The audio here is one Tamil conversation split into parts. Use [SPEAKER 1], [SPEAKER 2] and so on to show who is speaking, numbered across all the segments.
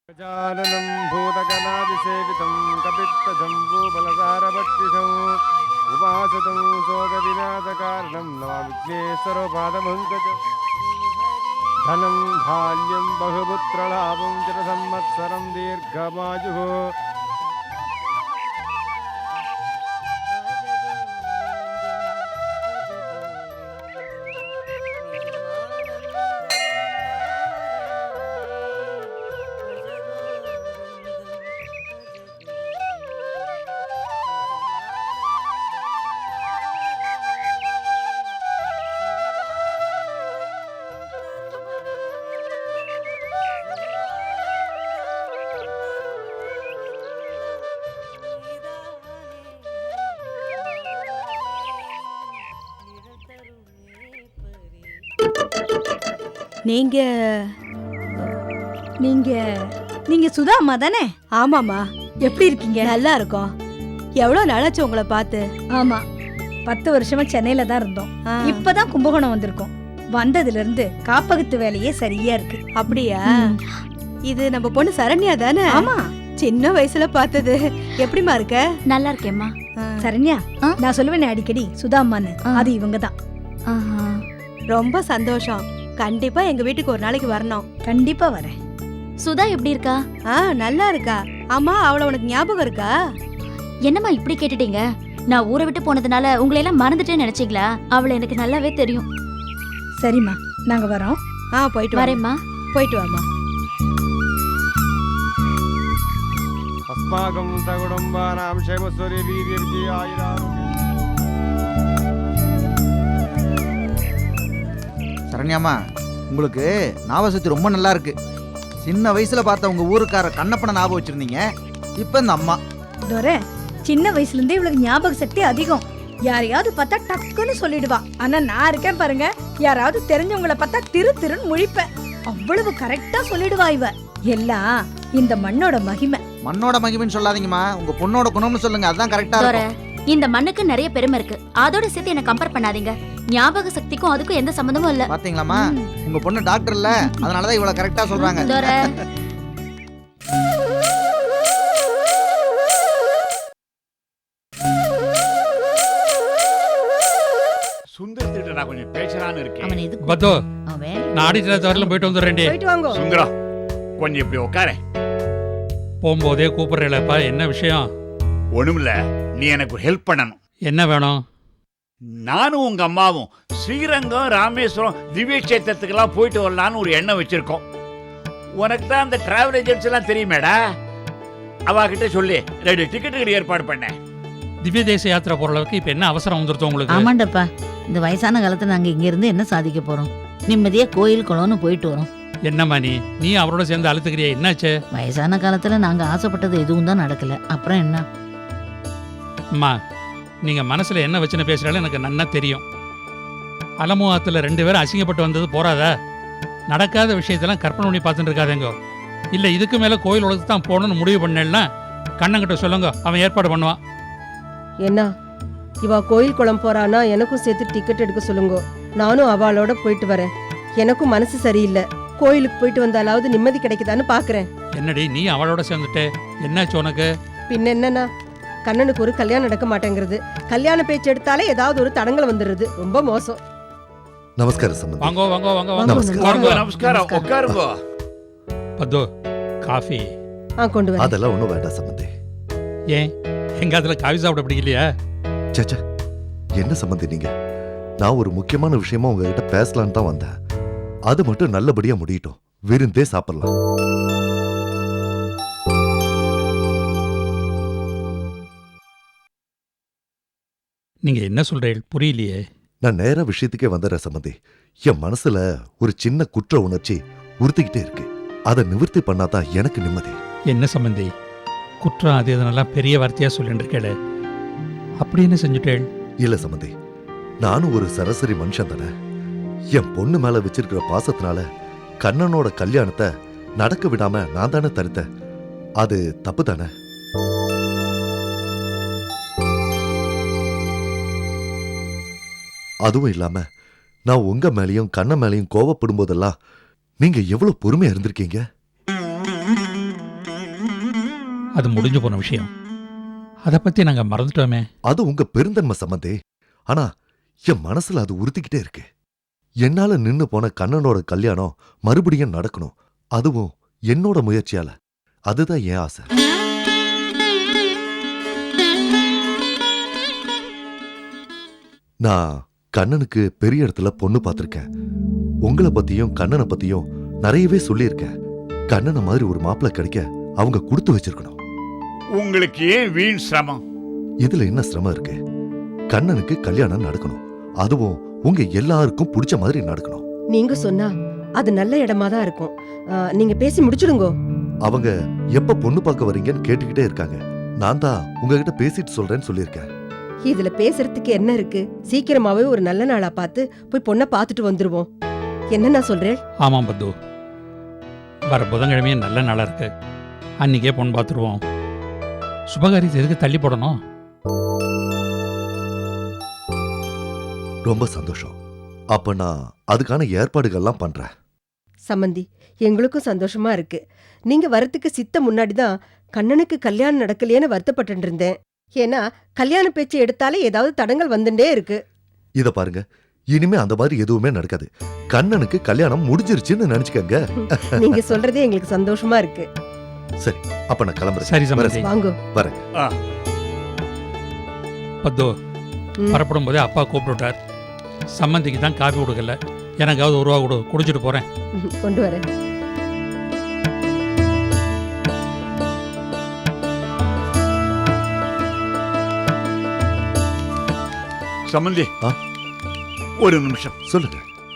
[SPEAKER 1] गजाननं भूतगणादिसेवितं कपित्तजम्बूफलसारभक्षितं उपासतं शोकविनाशकारणं नमाविघ्नेश्वरपादपङ्कजं धनं धान्यं बहुपुत्रलाभं चिरसंवत्सरं दीर्घमायुः
[SPEAKER 2] நீங்க நீங்க நீங்க சுதா அம்மா தானே?
[SPEAKER 3] ஆமாம்மா.
[SPEAKER 2] எப்படி இருக்கீங்க?
[SPEAKER 3] நல்லா இருக்கோம். எவ்வளோ நாளாச்சு உங்களை பார்த்து?
[SPEAKER 2] ஆமா, 10 வருஷமா சென்னையில தான் இருந்தோம். இப்பதான் கும்பகோணம் வந்திருக்கோம். வந்ததுல இருந்து காப்பகத்து வேலையே சரியா இருக்கு.
[SPEAKER 3] அப்படியா? இது நம்ம பொண்ணு சரண்யா தானே?
[SPEAKER 2] ஆமா.
[SPEAKER 3] சின்ன வயசுல பார்த்தது. எப்படிமா இருக்க?
[SPEAKER 4] நல்லா இருக்கேம்மா.
[SPEAKER 2] சரண்யா, நான் சொல்லுவேன் அடிக்கடி சுதா அம்மான்னு. அது இவங்க தான்.
[SPEAKER 3] ரொம்ப சந்தோஷம். கண்டிப்பா எங்க வீட்டுக்கு ஒரு நாளைக்கு வரணும்.
[SPEAKER 2] கண்டிப்பா வரேன்.
[SPEAKER 4] சுதா எப்படி இருக்கா?
[SPEAKER 3] நல்லா இருக்கா. ஆமா, அவளை உனக்கு ஞாபகம் இருக்கா?
[SPEAKER 4] என்னம்மா இப்படி கேட்டுட்டீங்க? நான் ஊரை விட்டு போனதுனால உங்களை எல்லாம் மறந்துட்டேன்னு நினைச்சீங்களா? அவளை எனக்கு நல்லாவே தெரியும்.
[SPEAKER 2] சரிம்மா, நாங்க வரோம்.
[SPEAKER 3] போயிட்டு
[SPEAKER 4] வரேம்மா.
[SPEAKER 3] போயிட்டு வாமா.
[SPEAKER 1] अस्माकं सकुटुम्बानां क्षेमस्वरे वीर्यविजयायुरारोग्यम्.
[SPEAKER 5] சரண்யாமா, உங்களுக்கு ஞாபகசக்தி ரொம்ப நல்லா இருக்கு. சின்ன வயசுல பார்த்த உங்க ஊருக்கார கண்ணப்பனை ஞாபகம் வச்சிருந்தீங்க. இப்ப இந்த அம்மா
[SPEAKER 2] தோரே, சின்ன வயசுல இருந்தே இவளுக்கு ஞாபக சக்தி அதிகம். யாரையாவது பார்த்தா டக்குன்னு சொல்லிடுவா. ஆனா நான் இருக்கேன் பாருங்க, யாராவது தெரிஞ்சவங்கள பார்த்தா திருன்னு முழிப்பேன். அவ்வளவு கரெக்டா சொல்லிடுவா இவ. எல்லாம் இந்த மண்ணோட மகிமை.
[SPEAKER 5] மண்ணோட மகிமைன்னு சொல்லாதீங்கம்மா, உங்க பொண்ணோட குணம்னு சொல்லுங்க. அதான் கரெக்டா இருக்கும்.
[SPEAKER 4] இந்த மண்ணுக்கு நிறைய பெருமை இருக்கு. அதோட சேர்த்து என்ன கம்பேர் பண்ணாதீங்க. ஞாபக சக்திக்கும் அதுக்கும் எந்த சம்பந்தமும் இல்ல.
[SPEAKER 5] பாத்தீங்களாமா, உங்க பொண்ணு டாக்டர் இல்ல, அதனாலதான் இவ்வளவு கரெக்டா சொல்றாங்க.
[SPEAKER 6] சுந்தரத்திட்ட நான் கொஞ்சம் பேசலான்னு இருக்கேன்.
[SPEAKER 7] பத்தோ, நான் ஆடிட்டர் தவறலாம் போயிட்டு வந்துடுறேன்.
[SPEAKER 3] போயிட்டு வாங்க.
[SPEAKER 6] சுந்தரா, கொஞ்சம் இப்படி உட்கார.
[SPEAKER 7] போகும்போதே கூப்பிடுறேன்ப்பா. என்ன விஷயம்?
[SPEAKER 6] ஒண்ணுமில்ல, நீ எனக்கு ஹெல்ப் பண்ணணும்.
[SPEAKER 7] என்ன வேணும்?
[SPEAKER 6] நானும் உங்க அம்மாவும் ஸ்ரீரங்கம், ராமேஸ்வரம், திவ்ய கஷேத்திரத்துக்கெல்லாம் போயிட்டு வரலான்னு ஒரு எண்ணம் வச்சிருக்கோம். உனக்கு தான் அந்த டிராவல் ஏஜென்ட்ஸ் எல்லாம் தெரியுமேடா, அவகிட்ட சொல்லி 2 டிக்கெட்டுக்கு ஏற்பாடு பண்ணேன்.
[SPEAKER 7] திவ்ய தேச யாத்திரை போற அளவுக்கு இப்ப என்ன அவசரம் வந்துருத்தோம் உங்களுக்கு?
[SPEAKER 8] ஆமாண்டப்பா, இந்த வயசான காலத்துல நாங்க இங்க இருந்து என்ன சாதிக்க போறோம்? நிம்மதியா கோயில் குளம்னு போயிட்டு வரோம்.
[SPEAKER 7] என்னம்மா நீ அவரோட சேர்ந்து அழுத்துக்கிறியா? என்னாச்சு?
[SPEAKER 8] வயசான காலத்துல நாங்க ஆசைப்பட்டது எதுவும் தான் நடக்கல. அப்புறம் என்ன?
[SPEAKER 7] அம்மா, நீங்க மனசுல என்ன வச்சுன்னு பேசுறாலும் எனக்கு நன்னா தெரியும். அலமுகத்துல 2 பேரும் அசிங்கப்பட்டு வந்தது போறாதா? நடக்காத விஷயத்தெல்லாம் கற்பனை பண்ணி பார்த்துட்டு இருக்காதேங்க. இல்ல இதுக்கு மேல கோயில் உலகத்துக்கு தான் போகணும்னு முடிவு பண்ணேன்னா கண்ணங்கிட்ட சொல்லுங்க, அவன் ஏற்பாடு பண்ணுவான்.
[SPEAKER 9] என்ன இவா கோயில் குளம் போறானா, எனக்கும் சேர்த்து டிக்கெட் எடுக்க சொல்லுங்க. நானும் அவளோட போயிட்டு வரேன். எனக்கும் மனசு சரியில்லை. கோயிலுக்கு போயிட்டு வந்தாலாவது நிம்மதி கிடைக்குதான்னு பாக்குறேன்.
[SPEAKER 7] என்னடி நீ அவளோட சேர்ந்துட்டு? என்னாச்சு உனக்கு?
[SPEAKER 9] பின்ன என்னன்னா, கண்ணனுக்கு ஒரு கல்யாணம் நடக்க மாட்டேங்கிறது. கல்யாண பேச்சு எடுத்தாலே ஏதாவது ஒரு தடங்கள் வந்துடுறது. ரொம்ப மோசம்.
[SPEAKER 10] நமஸ்காரம் சம்பந்தி.
[SPEAKER 7] வாங்கோ வாங்கோ வாங்கோ
[SPEAKER 6] வாங்க. நமஸ்காரம், உட்காருங்க.
[SPEAKER 7] பத்தோ, காஃபி
[SPEAKER 9] கொண்டு வர.
[SPEAKER 10] அதெல்லாம் ஒண்ணும் வேண்டாம் சம்பந்தி.
[SPEAKER 7] ஏன் எங்க அதுல காஃபி சாப்பிட பிடிக்கலையா?
[SPEAKER 10] சேச்சா, என்ன சம்பந்தி நீங்க? நான் ஒரு முக்கியமான விஷயமா உங்ககிட்ட பேசலான்னு தான் வந்தேன். அது மட்டும் நல்லபடியா முடியட்டும், விருந்தே சாப்பிடலாம்.
[SPEAKER 7] நீங்க என்ன சொல்றீங்க? புரியலையே.
[SPEAKER 10] நான் நேரா விஷயத்துக்கே வந்துடுறேன் சம்பந்தி. என் மனசுல ஒரு சின்ன குற்ற உணர்ச்சி உறுத்திக்கிட்டே இருக்கு. அதை நிவர்த்தி பண்ணாதான் எனக்கு நிம்மதி.
[SPEAKER 7] என்ன சம்பந்தி, குற்றம் அது இதனெல்லாம் பெரிய வார்த்தையா சொல்லிட்டு இருக்கேளே, அப்படி என்ன செஞ்சுட்டேள்?
[SPEAKER 10] இல்ல சம்பந்தி, நானும் ஒரு சராசரி மனுஷன் தானே. என் பொண்ணு மேல வச்சிருக்கிற பாசத்தினால கண்ணனோட கல்யாணத்தை நடக்க விடாம நான் தானே தடுத்தேன். அது தப்பு தானே? அதுவும் இல்லாம நான் உங்க மேலையும் கண்ணன் மேலையும் கோவப்படும் போதெல்லாம் நீங்க எவ்வளவு பொறுமையா இருந்திருக்கீங்க.
[SPEAKER 7] அது முடிஞ்சு போன விஷயம். அதை பத்தி நாங்க மறந்துட்டோமே.
[SPEAKER 10] அது உங்க பெருந்தன்மை சம்பந்தே. ஆனா என் மனசுல அது உறுத்திக்கிட்டே இருக்கு. என்னால நின்னு போன கண்ணனோட கல்யாணம் மறுபடியும் நடக்கணும், அதுவும் என்னோட முயற்சியால. அதுதான் என் ஆசை. நான் கண்ணனுக்கு பெரிய இடத்துல பொண்ணு பார்த்திருக்கேன். உங்களை பத்தியும் கண்ணனை பத்தியும் நிறையவே சொல்லியிருக்கேன். கண்ணனை மாதிரி ஒரு மாப்பிள்ளை கிடைக்க அவங்க கொடுத்து வச்சிருக்கணும்.
[SPEAKER 6] உங்களுக்கு ஏன் வீண் சிரமம்?
[SPEAKER 10] இதுல என்ன சிரமம் இருக்கு? கண்ணனுக்கு கல்யாணம் நடக்கணும், அதுவும் உங்க எல்லாருக்கும் பிடிச்ச மாதிரி நடக்கணும்.
[SPEAKER 9] நீங்க சொன்னா அது நல்ல இடமா தான் இருக்கும். நீங்க பேசி முடிச்சிடுங்கோ.
[SPEAKER 10] அவங்க எப்ப பொண்ணு பார்க்க வரீங்கன்னு கேட்டுக்கிட்டே இருக்காங்க. நான் தான் உங்ககிட்ட பேசிட்டு சொல்றேன்னு சொல்லியிருக்கேன்.
[SPEAKER 9] இதுல பேசுறதுக்கு என்ன இருக்கு? சீக்கிரமாவே ஒரு நல்ல நாளா பார்த்து போய் பொண்ணை பார்த்துட்டு வந்துருவோம். என்ன நான் சொல்றேன்?
[SPEAKER 7] ஆமாம் பத்து, வர புதன்கிழமையே நல்ல நாளா இருக்கு. அன்னைக்கே பொண்ணு பார்த்துருவோம். சுபகாரியத்தை எதுக்கு தள்ளி போடணும்?
[SPEAKER 10] ரொம்ப சந்தோஷம். அப்ப நான் அதுக்கான ஏற்பாடுகள்லாம் பண்றேன்.
[SPEAKER 9] சம்மந்தி, எங்களுக்கும் சந்தோஷமா இருக்கு. நீங்க வரத்துக்கு சித்த முன்னாடிதான் கண்ணனுக்கு கல்யாணம் நடக்கலையேன்னு வருத்தப்பட்டு இருந்தேன். ஏன்னா கல்யாண பேச்சு எடுத்தாலே ஏதாவது தடங்கள் வந்துட்டே இருக்கு.
[SPEAKER 10] இத பாருங்க, இனிமே அந்த மாதிரி எதுவுமே நடக்காது. கண்ணனுக்கு கல்யாணம் முடிஞ்சிருச்சுன்னு நினைச்சுக்கங்க.
[SPEAKER 9] நீங்க சொல்றதே எங்களுக்கு சந்தோஷமா இருக்கு.
[SPEAKER 10] சரி, அப்ப நான் கிளம்புறேன்.
[SPEAKER 7] சரி சம்பந்தி.
[SPEAKER 9] வாங்கோ.
[SPEAKER 10] வரேன்.
[SPEAKER 7] பத்து, வரப்படும் போதே அப்பா கூப்பிட்டுட்டார். சம்மந்திக்கு தான் காஃபி கொடுக்கல, எனக்காவது ஒரு ரூபா கொடு, குடிச்சிட்டு போறேன்.
[SPEAKER 9] கொண்டு வரேன்.
[SPEAKER 6] சம்பந்தி, ஒரு நிமிஷம்.
[SPEAKER 10] சொல்லுங்க.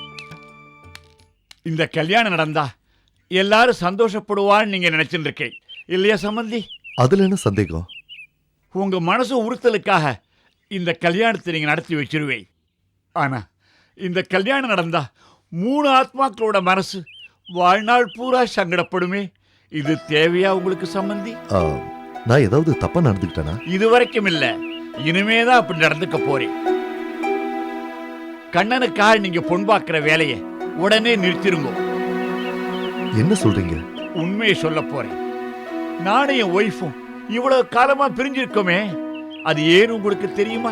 [SPEAKER 6] இந்த கல்யாணம் நடந்தா எல்லாரும் சந்தோஷப்படுவான்னு நீங்க நினைச்சுட்டு இருக்கேன் இல்லையா சம்பந்தி?
[SPEAKER 10] அதுல என்ன சந்தேகம்?
[SPEAKER 6] உங்க மனசு உறுத்தலுக்காக இந்த கல்யாணத்தை நீங்க நடத்தி வச்சிருவேன். ஆனா இந்த கல்யாணம் நடந்தா 3 ஆத்மாக்களோட மனசு வாழ்நாள் பூரா சங்கடப்படுமே. இது தேவையா உங்களுக்கு சம்பந்தி?
[SPEAKER 10] நான் ஏதாவது தப்பா நடந்துக்கிட்டேனா?
[SPEAKER 6] இதுவரைக்கும் இல்ல, இனிமேதான் அப்படி நடந்துக்க போறேன். கண்ணனுக்காக நீங்க பொன் பார்க்கிற வேலையை உடனே நிறுத்திருங்க.
[SPEAKER 10] என்ன சொல்றீங்க?
[SPEAKER 6] உண்மையை சொல்ல போறேன். நானும் என் ஒய்ஃபும் இவ்வளவு காலமா பிரிஞ்சிருக்கோமே, அது ஏன் உங்களுக்கு தெரியுமா?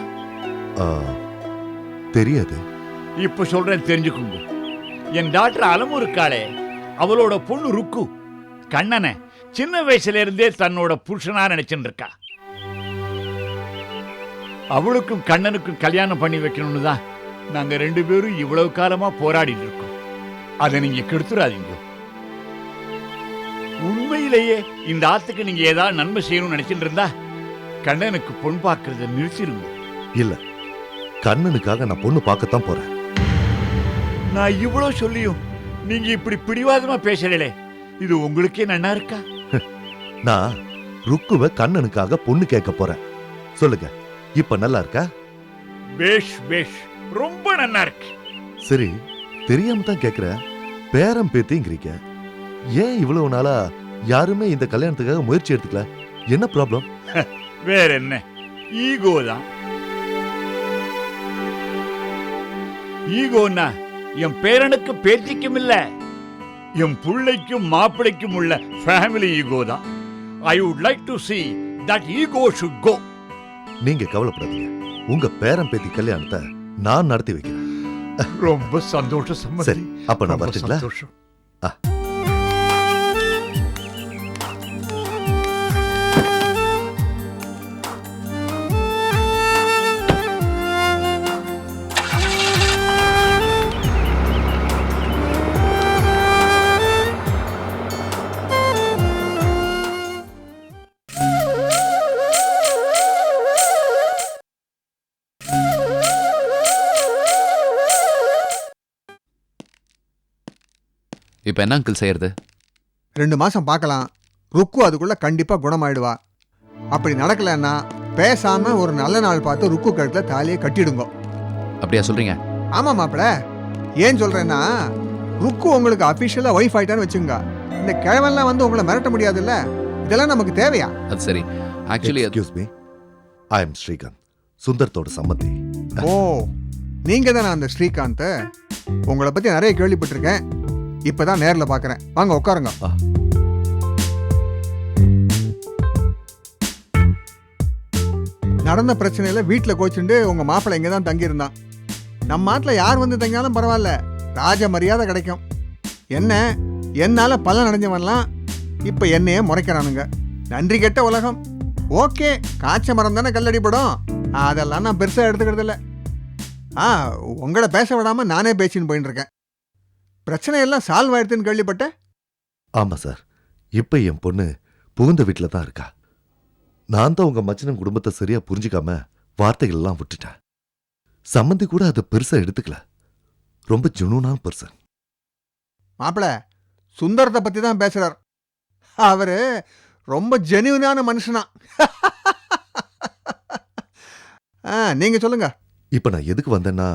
[SPEAKER 10] தெரியாது.
[SPEAKER 6] இப்ப சொல்றேன், தெரிஞ்சுக்குங்க. என் டாக்டர் அலமு இருக்காளே, அவளோட பொண்ணு ருக்கு கண்ணனை சின்ன வயசுல இருந்தே தன்னோட புருஷனா நினைச்சுட்டு இருக்கா. அவளுக்கும் கண்ணனுக்கும் கல்யாணம் பண்ணி வைக்கணும்னு தான் நாங்க 2 பேரும் இவ்வளவு காலமா போராடிட்டு இருக்கோம். அதை நீங்க கெடுத்துறாதீங்க. உண்மையிலேயே இந்த ஆத்துக்கு நீங்க ஏதாவது நன்மை செய்யணும்னு நினைச்சிட்டு இருந்தா கண்ணனுக்கு பொன் பார்க்கறத நிறுத்திருங்க.
[SPEAKER 10] இல்ல, கண்ணனுக்காக நான் பொண்ணு பார்க்கத்தான் போறேன்.
[SPEAKER 6] நான் இவ்வளவு சொல்லியும் நீங்க இப்படி பிடிவாதமா பேசலே, இது உங்களுக்கே நன்னா இருக்கா?
[SPEAKER 10] நான் ருக்குவ கண்ணனுக்காக பொண்ணு கேட்க போறேன். சொல்லுங்க, இப்ப நல்லா இருக்கா?
[SPEAKER 6] பேஷ் பேஷ், ரொம்ப நன்னா இருக்கு.
[SPEAKER 10] சரி, தெரியாம தான் கேக்குறேன். பேரம் பேத்திங்கிறீங்க, ஏன் இவ்வளவு நாளா யாருமே இந்த கல்யாணத்துக்காக முயற்சி எடுத்துக்கல? என்ன ப்ராப்ளம்?
[SPEAKER 6] வேற என்ன, ஈகோ தான். ஈகோன்னா என் பேரனுக்கு பேத்திக்கும் இல்ல, என் புள்ளைக்கும் மாப்பிளைக்கும் உள்ள ஃபேமிலி ஈகோ தான். I would like to see that ego should go.
[SPEAKER 10] நீங்க கவலைப்படாதீங்க, உங்க பேரம் பேத்தி கல்யாணத்தை நான் நடத்தி வைக்கிறேன்.
[SPEAKER 6] ரொம்ப சந்தோஷம்.
[SPEAKER 10] சரி, அப்ப நான் வரட்டுங்களா?
[SPEAKER 11] இப்போ என்ன அங்கிள் செய்யறது?
[SPEAKER 12] 2 மாசம் பார்க்கலாம். ருக்கு அதுக்குள்ள கண்டிப்பா குணமாயிடுவா. அப்படி நடக்கலன்னா பேசாம ஒரு நல்ல நாள் பார்த்து ருக்கு கழுத்துல தாலியை கட்டிடுங்க.
[SPEAKER 11] அப்படியா சொல்றீங்க?
[SPEAKER 12] ஆமா மாப்பிள. ஏன் சொல்றேன்னா, ருக்கு உங்களுக்கு அபிஷியலா ஒய்ஃப் ஆயிட்டான்னு வச்சுங்க. இந்த கிழவெல்லாம் வந்து உங்களை மிரட்ட முடியாதுல்ல. இதெல்லாம் நமக்கு தேவையா?
[SPEAKER 11] அது சரி. Actually
[SPEAKER 10] excuse me, I am Srikanth, சுந்தரத்தோட சம்மந்தி.
[SPEAKER 12] ஓ, நீங்க தானே அந்த ஸ்ரீகாந்த்? உங்களை பத்தி நிறைய கேள்விப்பட்டிருக்கேன். இப்பதான் நேர்ல பாக்குறேன். வாங்க உட்காருங்க. நடந்த பிரச்சனையில வீட்டில் கோச்சுண்டு உங்க மாப்பிள்ளை இங்கே தான் தங்கியிருந்தான். நம்ம நாட்டில் யார் வந்து தங்கினாலும் பரவாயில்ல, ராஜ மரியாதை கிடைக்கும். என்ன என்னால பலன் அடைஞ்சவன்லாம் இப்ப என்னையே முறைக்கிறானுங்க. நன்றி கெட்ட உலகம். ஓகே, காய்ச்ச மரம் தானே கல்லடிப்படும், அதெல்லாம் நான் பெருசா எடுத்துக்கிறது இல்லை. உங்களை பேச விடாம நானே பேசின்னு போயிட்டு இருக்கேன். பிரச்சனை எல்லாம் சால்வ் ஆயிடுதுன்னு கேள்விப்பட்டேன்.
[SPEAKER 10] ஆமா சார், இப்ப என் பொண்ணு புகுந்த வீட்டில் தான் இருக்கா. நான் தான் உங்க மச்சனம் குடும்பத்தை சரியா புரிஞ்சுக்காம வார்த்தைகள் எல்லாம் விட்டுட்டேன். சம்மந்தி கூட அதை பெருசா எடுத்துக்கல. ரொம்ப ஜுனூனான பர்சன்.
[SPEAKER 12] மாப்பிள்ள சுந்தரத்தை பத்தி தான் பேசுறார். அவரு ரொம்ப ஜெனியூனான மனுஷனா. நீங்க சொல்லுங்க.
[SPEAKER 10] இப்ப நான் எதுக்கு வந்தேன்னா,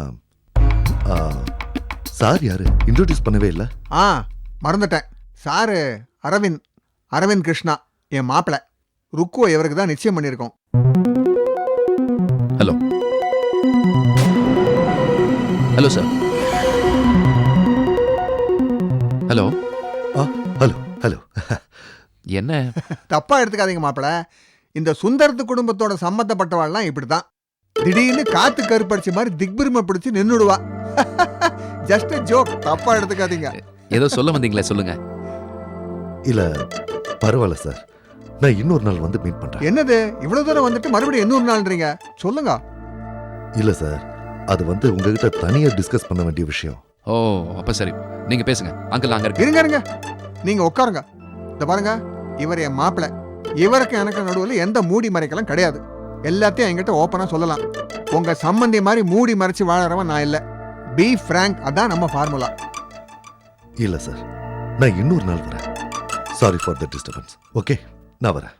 [SPEAKER 10] சார் யாரு இன்ட்ரோடியூஸ் பண்ணவே இல்லை.
[SPEAKER 12] மறந்துட்டேன். சாரு அரவிந்த் கிருஷ்ணா, என் மாப்பிள்ள. ருக்குவ இவருக்கு தான் நிச்சயம் பண்ணியிருக்கோம்.
[SPEAKER 11] Hello hello sir. Hello
[SPEAKER 10] hello hello.
[SPEAKER 11] என்ன
[SPEAKER 12] தப்பா எடுத்துக்காதீங்க மாப்பிள்ள. இந்த சுந்தரத்து குடும்பத்தோட சம்பந்தப்பட்டவாள்லாம் இப்படிதான் திடீர்னு காத்து கருப்படிச்ச மாதிரி திக்பிரிமை பிடிச்சு நின்னுடுவா. ஜஸ்ட் ஜோக், தப்பா எடுத்துக்காதீங்க.
[SPEAKER 11] ஏதோ சொல்ல வந்தீங்களே, சொல்லுங்க.
[SPEAKER 10] இல்ல பரவாயில்ல சார், நான் இன்னொரு நாள் வந்து மீட் பண்றேன்.
[SPEAKER 12] என்னது இவ்வளவு தூரம் வந்துட்டு மறுபடியும் இன்னொரு நாள்ன்றீங்க? சொல்லுங்க.
[SPEAKER 10] இல்ல சார், அது வந்து உங்ககிட்ட தனியா டிஸ்கஸ் பண்ண வேண்டிய விஷயம்.
[SPEAKER 11] ஓ அப்ப சரி, நீங்க பேசுங்க. அங்கிள் அங்க இருக்கு.
[SPEAKER 12] இருங்க நீங்க உட்காருங்க. இந்த பாருங்க, இவர் என் மாப்பிள்ள. இவருக்கு எனக்கு நடுவில் எந்த மூடி மறைக்கலாம் கிடையாது. எல்லாத்தையும் என்கிட்ட ஓப்பனா சொல்லலாம். உங்க சம்பந்தி மாதிரி மூடி மறைச்சு வாழறவன் நான் இல்ல. பி ஃப்ராங்க், அதான் நம்ம ஃபார்முலா.
[SPEAKER 10] இல்ல சார், நான் இன்னொரு நாள் வரேன். Sorry for the disturbance. Okay, நான் வரேன்.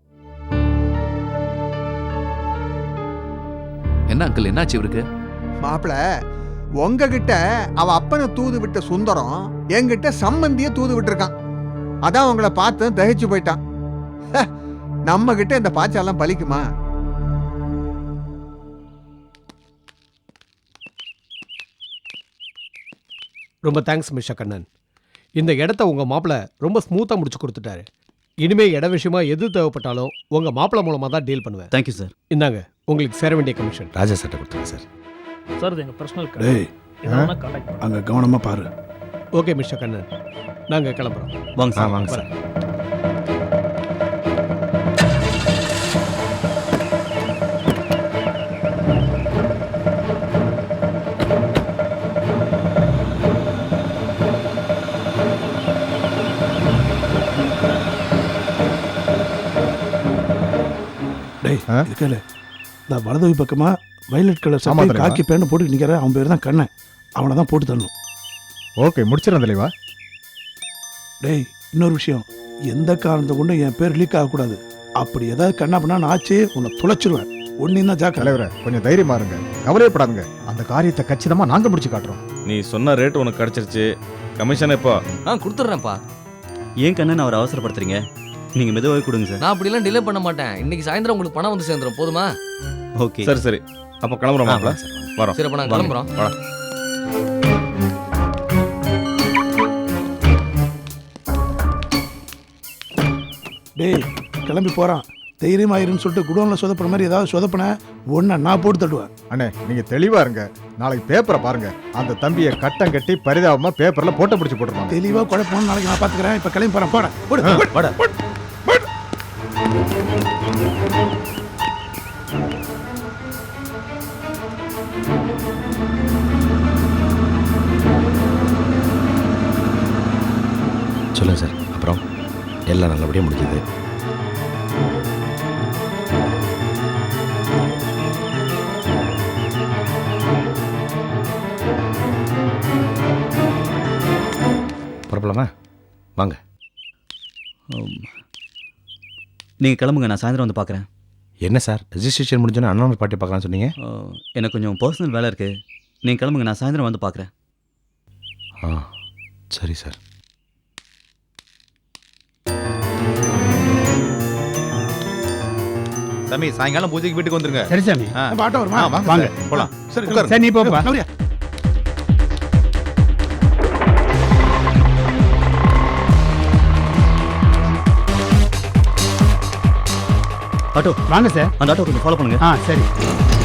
[SPEAKER 11] என்ன அங்கிள், என்னாச்சு இவருக்கு?
[SPEAKER 12] மாப்பிள்ள, உங்ககிட்ட அவ அப்பனை தூது விட்ட சுந்தரம் என்கிட்ட சம்பந்திய தூது விட்டுருக்கான். அதான் உங்களை பார்த்து தகிச்சு போயிட்டான். நம்ம கிட்ட இந்த பாய்ச்செல்லாம் பலிக்குமா?
[SPEAKER 13] ரொம்ப தேங்க்ஸ் மிஸ்டர் கண்ணன். இந்த இடத்த உங்கள் மாப்பிள்ளை ரொம்ப ஸ்மூத்தாக முடிச்சு கொடுத்துட்டாரு. இனிமேல் இட விஷயமா எது தேவைப்பட்டாலும் உங்கள் மாப்பிள்ளை மூலமாக தான் டீல் பண்ணுவேன்.
[SPEAKER 14] Thank you sir.
[SPEAKER 13] இந்தாங்க உங்களுக்கு சேர வேண்டிய கமிஷன்.
[SPEAKER 14] ராஜா சட்டை கொடுத்துருங்க சார்.
[SPEAKER 15] சார் இது எங்கள் பர்சனல்
[SPEAKER 14] அங்கே கவனமாக பாரு.
[SPEAKER 13] ஓகே மிஸ்டர் கண்ணன், நாங்கள் கிளம்புறோம்.
[SPEAKER 14] வாங்க சார். வாங்க சார். நான் வலது பக்கமா வயலட் கலர் சட்டை காக்கி பேண்ட் போட்டு நிற்கிறேன். அவன் பேர் தான் கண்ணன். அவனை தான் போட்டு தரணும்.
[SPEAKER 1] ஓகே, முடிச்சிடறேன் தலைவா.
[SPEAKER 14] டேய், இன்னொரு விஷயம், எந்த காரணத்தை கொண்டு என் பேர் லீக் ஆகக்கூடாது. அப்படி ஏதாவது கண்ணா பண்ணா நான் ஆச்சு உன்னை துளைச்சிருவேன். ஒன்னையும் தான் ஜாக்க.
[SPEAKER 1] தலைவரை கொஞ்சம் தைரியமா இருங்க, கவலையப்படாதுங்க. அந்த காரியத்தை கச்சிதமா நாங்க முடிச்சு காட்டுறோம்.
[SPEAKER 16] நீ சொன்ன ரேட் உனக்கு கிடைச்சிருச்சு. கமிஷன் எப்போ?
[SPEAKER 15] கொடுத்துட்றேன்ப்பா.
[SPEAKER 14] ஏன் கண்ணன் அவரை அவசரப்படுத்துறீங்க? நீங்க மெதுவாக கொடுங்க சார்.
[SPEAKER 15] நான் அப்படிலாம் டிலே பண்ண மாட்டேன். இன்னைக்கு சாயந்தரம் உங்களுக்கு பணம் வந்து சேர்ந்துடும். போதுமா?
[SPEAKER 16] ஓகே, சரி. அப்போ கிளம்புறோம் மாப்பிள்ள. வரோம்.
[SPEAKER 15] சரி, அப்போ நான் கிளம்புறோம்.
[SPEAKER 14] டேய், கிளம்பி போறான். தைரியமாயிருன்னு சொல்லிட்டு குடோன்ல சொதப்புற மாதிரி ஏதாவது சொதப்பின ஒன்ன நான் போட்டு தட்டுவேன்.
[SPEAKER 1] அண்ணே, நீங்க தெளிவா இருங்க. நாளைக்கு பேப்பரை பாருங்க. அந்த தம்பியை கட்டம் கட்டி பரிதாபமா பேப்பர்ல போட்டோ பிடிச்சு போட்டுருவாங்க.
[SPEAKER 14] தெளிவா குழப்பம். நாளைக்கு நான் பாத்துக்கிறேன். இப்ப கிளம்பி போறேன். போட.
[SPEAKER 16] சொல்லுங்க சார். அப்புறம் எல்லாம் நல்லபடியாக முடிஞ்சது. புறப்படலாமா? வாங்க.
[SPEAKER 14] நீங்கள் கிளம்புங்க, நான் சாயந்தரம் வந்து பார்க்குறேன்.
[SPEAKER 16] என்ன சார், ரெஜிஸ்ட்ரேஷன் முடிஞ்சோன்னா அண்ணன் பாட்டி பார்க்கலாம்னு சொன்னீங்க?
[SPEAKER 14] எனக்கு கொஞ்சம் பர்சனல் வேலை இருக்குது. நீங்கள் கிளம்புங்க, நான் சாயந்தரம் வந்து பார்க்குறேன்.
[SPEAKER 16] சரி சார்.
[SPEAKER 5] சாமி, சாயங்காலம் பூஜைக்கு வீட்டுக்கு வந்துருங்க.
[SPEAKER 14] சரி சாமி. ஆட்டோ வருமா?
[SPEAKER 5] வாங்க போலாம்.
[SPEAKER 14] சரி, நீ போப்பா.
[SPEAKER 16] ஆட்டோ
[SPEAKER 17] வாங்க சார்.
[SPEAKER 16] அந்த ஆட்டோ கொஞ்சம் ஃபாலோ பண்ணுங்க.
[SPEAKER 17] சரி.